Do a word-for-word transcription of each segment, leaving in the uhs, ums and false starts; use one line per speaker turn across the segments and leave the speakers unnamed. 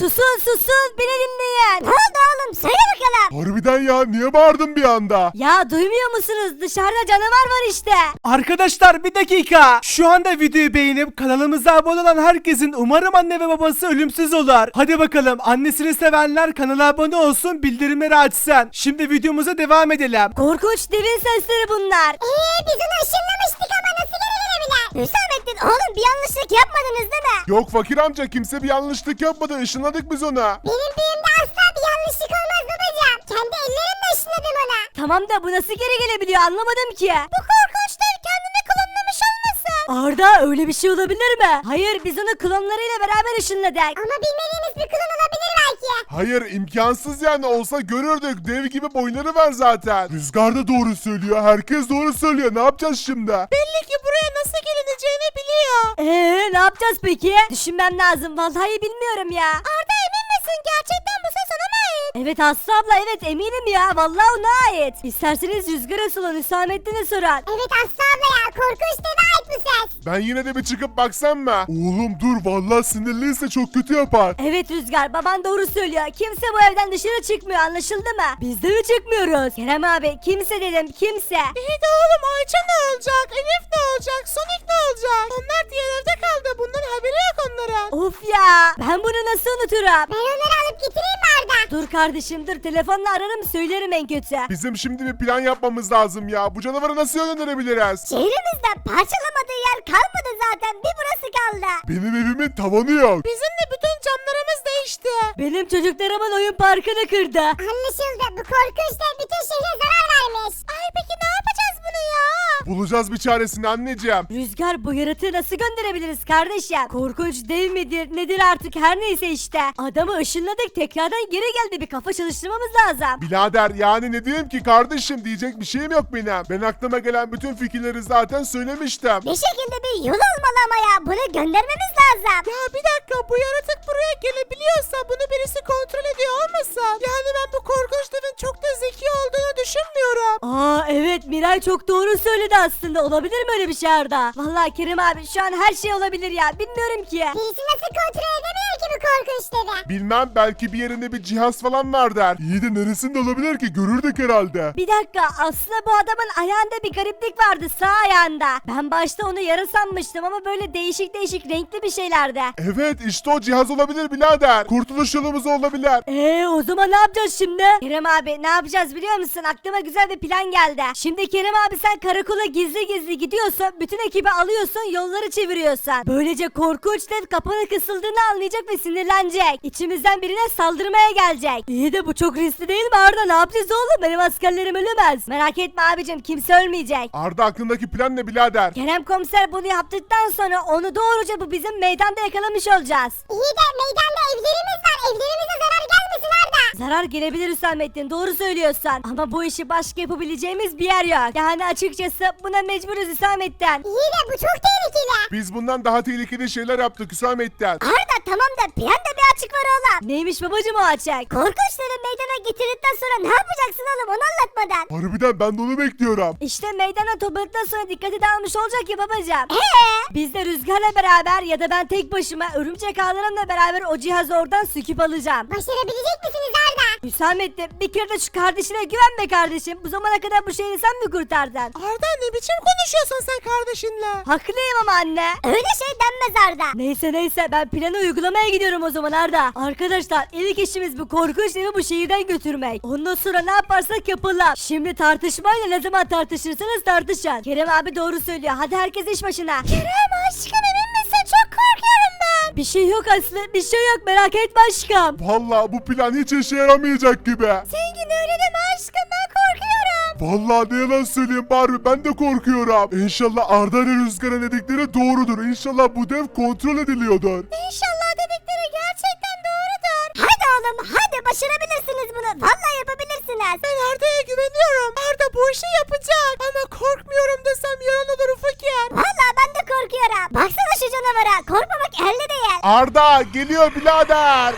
Susun susun beni dinleyin. Ne oldu oğlum söyle bakalım.
Harbiden ya, niye bağırdın bir anda?
Ya duymuyor musunuz? Dışarıda canavar var işte.
Arkadaşlar bir dakika. Şu anda videoyu beğenip kanalımıza abone olan herkesin umarım anne ve babası ölümsüz olur. Hadi bakalım, annesini sevenler kanala abone olsun, bildirimleri açsın. Şimdi videomuza devam edelim.
Korkunç devin sesleri bunlar.
Eee biz onu ışınlamıştık ama nasıl geri gelebilir?
Hüsamettin oğlum bir yanlışlık yapmadınız değil mi?
Yok fakir amca, kimse bir yanlışlık yapmadı, ışınladık biz ona.
Benim büyümde asla bir yanlışlık olmaz babacığım. Kendi ellerimle ışınladım ona.
Tamam da bu nasıl geri gelebiliyor anlamadım ki. Bu korkunç dev kendini klonlamış olmasın? Arda öyle bir şey olabilir mi? Hayır biz onu klonlarıyla beraber ışınladık.
Ama bilmediğimiz bir klon olabilir belki.
Hayır, imkansız yani, olsa görürdük, dev gibi boyları var zaten. Rüzgar da doğru söylüyor, herkes doğru söylüyor, ne yapacağız şimdi?
Belli ki buraya nasıl gelineceğini biliyor. Eee ne yapacağız peki? Düşünmem lazım vallahi bilmiyorum ya. Arda emin misin gerçekten bu ses ona mı ait? Evet Aslı abla evet eminim ya vallahi ona ait. İsterseniz Rüzgar'a sorun Hüsamettin'e sorun.
Evet Aslı abla ya, korkunç deve ait bu ses.
Ben yine de bir çıkıp baksam mı? Oğlum dur, vallahi sinirliyse çok kötü yapar.
Evet Rüzgar baban doğru söylüyor. Kimse bu evden dışarı çıkmıyor anlaşıldı mı? Biz de mi çıkmıyoruz? Kerem abi kimse dedim kimse. İyi de oğlum Ayça ne olacak? Elif ne olacak? Sonic ne olacak? Onlar diğer evde kaldı. Bunların haberi yok onların. Of ya ben bunu nasıl unuturum?
Ben onları alıp getireyim mi Arda?
Dur kardeşim dur telefonla ararım söylerim en kötü.
Bizim şimdi bir plan yapmamız lazım ya. Bu canavarı nasıl yönlendirebiliriz?
Şehrimizde parçalamadığı yer kalmadı zaten. Bir burası kaldı.
Benim evimin tavanı yok.
Bizim de bütün camlarımız değişti. Benim çocuklarımın oyun parkını kırdı.
Anlaşıldı, bu korkunç dev bütün şehre zarar vermiş.
Ay peki ne yapacağız bunu ya?
Bulacağız bir çaresini anneciğim.
Rüzgar bu yaratığı nasıl gönderebiliriz kardeşim? Korkunç dev midir nedir artık her neyse işte. Adamı ışınladık tekrardan geri geldi bir kafa çalıştırmamız lazım.
Birader yani ne diyeyim ki kardeşim, diyecek bir şeyim yok benim. Ben aklıma gelen bütün fikirleri zaten söylemiştim.
Bir şekilde bir yol olmalı ama ya bunu göndermemiz lazım. Ya bir dakika bu yaratık buraya gelebiliyorsa bunu birisi kontrol ediyor olmasın? Yani ben bu korkunç devin çok da zeki olduğunu düşünmüyorum. Aa evet Miray çok doğru söyledi aslında. Olabilir mi öyle bir şey Arda? Vallahi Kerim abi şu an her şey olabilir ya. Bilmiyorum ki.
Birisi nasıl kontrol edebilir ki bu korkunç devi?
Bilmem, belki bir yerinde bir cihaz falan var der. İyi de neresinde olabilir ki, görürdük herhalde.
Bir dakika aslında bu adamın ayağında bir gariplik vardı sağ ayağında. Ben başta onu yara sanmıştım ama böyle değişik değişik renkli bir şeylerdi.
Evet işte o cihaz olabilir birader. Kurtuluş yolumuz olabilir.
Eee o zaman ne yapacağız şimdi? Kerem abi ne yapacağız biliyor musun? Aklıma güzel bir plan geldi. Şimdi Kerem abi sen karakola gizli gizli gidiyorsun. Bütün ekibi alıyorsun yolları çeviriyorsun. Böylece korkunç dev kapana kısıldığını anlayacak ve sinirlenecek. İçimizden birine saldırmaya gelecek. İyi de bu çok riskli değil mi Arda? Ne yapacağız oğlum? Benim askerlerim ölmez. Merak etme abicim kimse ölmeyecek.
Arda aklındaki plan ne birader?
Kerem komiser bunu yaptıktan sonra onu doğruca bu bizim meydanda yakalamış olacağız.
İyi de meydanda evlerimiz var, evlerimize zarar gelmesin Arda.
Zarar gelebilir Hüsamettin doğru söylüyorsun. Ama bu işi başka yapabileceğimiz bir yer yok. Yani açıkçası buna mecburuz Hüsamettin.
İyi de bu çok tehlikeli.
Biz bundan daha tehlikeli şeyler yaptık Hüsamettin.
Arda tamam da planda bir açık var oğlum. Neymiş babacım o açık? Korkunçları meydana getirdikten sonra ne yapacaksın oğlum onu anlatmadan.
Harbiden ben de onu bekliyorum.
İşte meydana topladıktan sonra dikkati dağılmış olacak ya babacım. Eee? Biz de Rüzgar'la beraber ya da ben tek başıma örümcek ağlarımla beraber o cihazı oradan söküp alacağım.
Başarabilecek misiniz Arda?
Hüsamettin bir kere de şu kardeşine güvenme kardeşim. Bu zamana kadar bu şehri sen mi kurtardın? Arda ne biçim konuşuyorsun sen kardeşinle? Haklıyım ama anne. Öyle şey denmez Arda. Neyse neyse ben planı uygulamaya gidiyorum o zaman Arda. Arkadaşlar ilk işimiz bu korkunç evi bu şehirden götürmek. Ondan sonra ne yaparsak yapalım. Şimdi tartışmayla ne zaman tartışırsanız tartışın. Kerem abi doğru söylüyor. Hadi herkes iş başına. Kerem aşkım emin misin? Çok korkuyorum ben. Bir şey yok Aslı. Bir şey yok merak etme aşkım.
Vallahi bu plan hiç işe yaramayacak gibi.
Zengin öyle deme aşkım ben korkuyorum.
Vallahi ne yalan söyleyeyim Barbie, ben de korkuyorum. İnşallah Arda ile Rüzgar'ın dedikleri doğrudur. İnşallah bu dev kontrol ediliyordur.
İnşallah dedikleri gerçekten doğrudur. Hadi oğlum hadi başarabilirsiniz bunu. Vallahi yapabilirsiniz. Ben Arda'ya güveniyorum. Arda bu işi yapacak. Ama korkmuyorum desem yalan olur fakir. Vallahi ben de korkuyorum. Baksana şu canavara. Korkmamak elde değil.
Arda geliyor birader.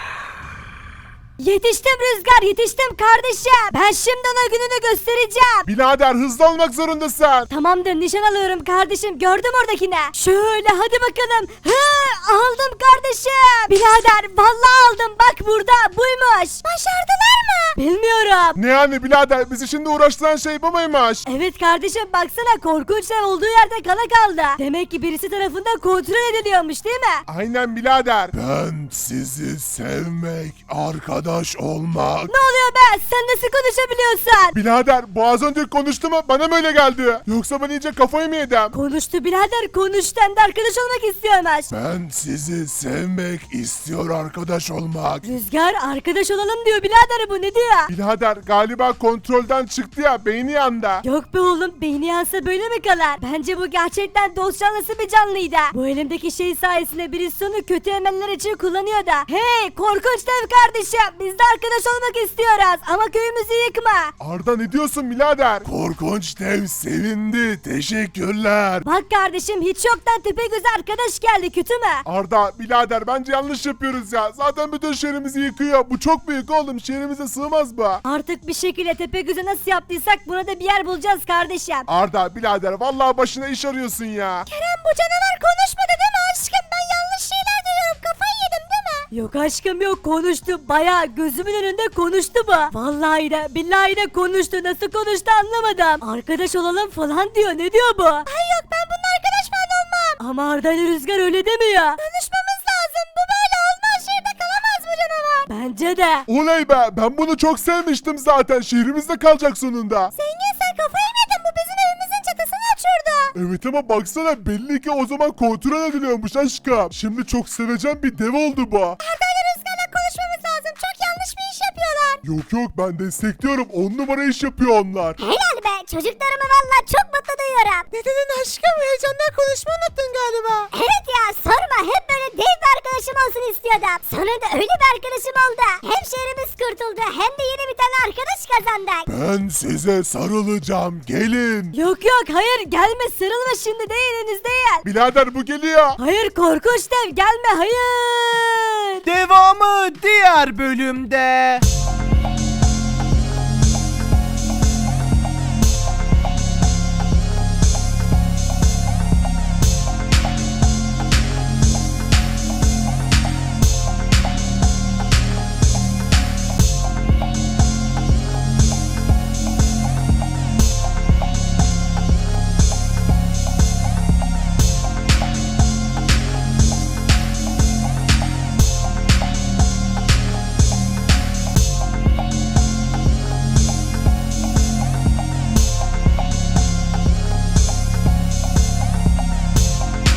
Yetiştim Rüzgar yetiştim kardeşim. Ben şimdi ona gününü göstereceğim.
Birader hızlı olmak zorundasın.
Tamamdır nişan alıyorum kardeşim gördüm oradakine. Şöyle hadi bakalım. Hı, aldım kardeşim. Birader vallahi aldım, bak burada buymuş. Başardılar mı? Bilmiyorum.
Ne yani birader, bizi şimdi uğraştıran şey bu muymuş?
Evet kardeşim, baksana korkunç dev olduğu yerde kala kaldı. Demek ki birisi tarafından kontrol ediliyormuş değil mi?
Aynen birader. Ben sizi sevmek, arkadaş olmak.
Ne oluyor be, sen nasıl konuşabiliyorsun?
Birader bu az önce konuştu mu? Bana mı öyle geldi? Yoksa ben iyice kafayı mı yedim?
Konuştu birader, konuştu, hem de arkadaş olmak istiyormuş.
Ben sizi sevmek istiyor, arkadaş olmak.
Rüzgar arkadaş olalım diyor birader, bu ne diyor?
Birader galiba kontrolden çıktı ya, beyni yandı.
Yok be oğlum, beyni yansa böyle mi kalır? Bence bu gerçekten dost canlısı bir canlıydı. Bu elimdeki şey sayesinde birisi onu kötü emeller için kullanıyor da. Hey korkunç dev kardeşim, biz de arkadaş olmak istiyoruz ama köyümüzü yıkma.
Arda ne diyorsun birader? Korkunç dev sevindi, teşekkürler.
Bak kardeşim, hiç yoktan Tepegöz arkadaş geldi, kötü mü?
Arda birader bence yanlış yapıyoruz ya. Zaten bütün şehrimizi yıkıyor. Bu çok büyük oğlum, şehrimize sığmaz bu.
Artık bir şekilde Tepegöz'e nasıl yaptıysak buna da bir yer bulacağız kardeşim.
Arda birader vallahi başına iş arıyorsun ya.
Kerem, bu canavar konuşmadı değil mi aşkım? Ben yanlış şeyler duyuyorum, kafayı yedim değil mi? Yok aşkım yok, konuştu, baya gözümün önünde konuştu bu. Vallahi de billahi de konuştu, nasıl konuştu anlamadım. Arkadaş olalım falan diyor, ne diyor bu? Ay yok, ben bununla arkadaş falan olmam. Ama Arda ile Rüzgar öyle demiyor. Konuşmamız lazım, bu böyle olmaz, şehirde kalamaz bu canavar. Bence de.
Oley be, ben bunu çok sevmiştim zaten. Şehrimizde kalacak sonunda.
Zengin, sen kafayı mı yedin, bu bizim evimizin çatısını açıyordu.
Evet ama baksana, belli ki o zaman kontrol ediliyormuş aşkım. Şimdi çok seveceğim bir dev oldu bu.
Arda ile Rüzgar'la konuşmamız lazım, çok yanlış bir iş yapıyorlar.
Yok yok, ben destekliyorum. On numara iş yapıyor onlar.
Helal be, çocuklarımı valla çok mutlu duyuyorum.
Ne dedin aşkım, heyecandan konuşma unuttun galiba.
Evet ya, sorma, hep böyle dev bir arkadaşım olsun istiyordum. Sonunda öyle bir arkadaşım oldu. Hem şehrimiz kurtuldu hem de yeni bir tane arkadaş kazandık.
Ben size sarılacağım, gelin.
Yok yok, hayır gelme, sarılma, şimdi değil, henüz değil.
Birader bu geliyor.
Hayır korkunç dev, gelme, hayır.
Devamı diğer bölümde.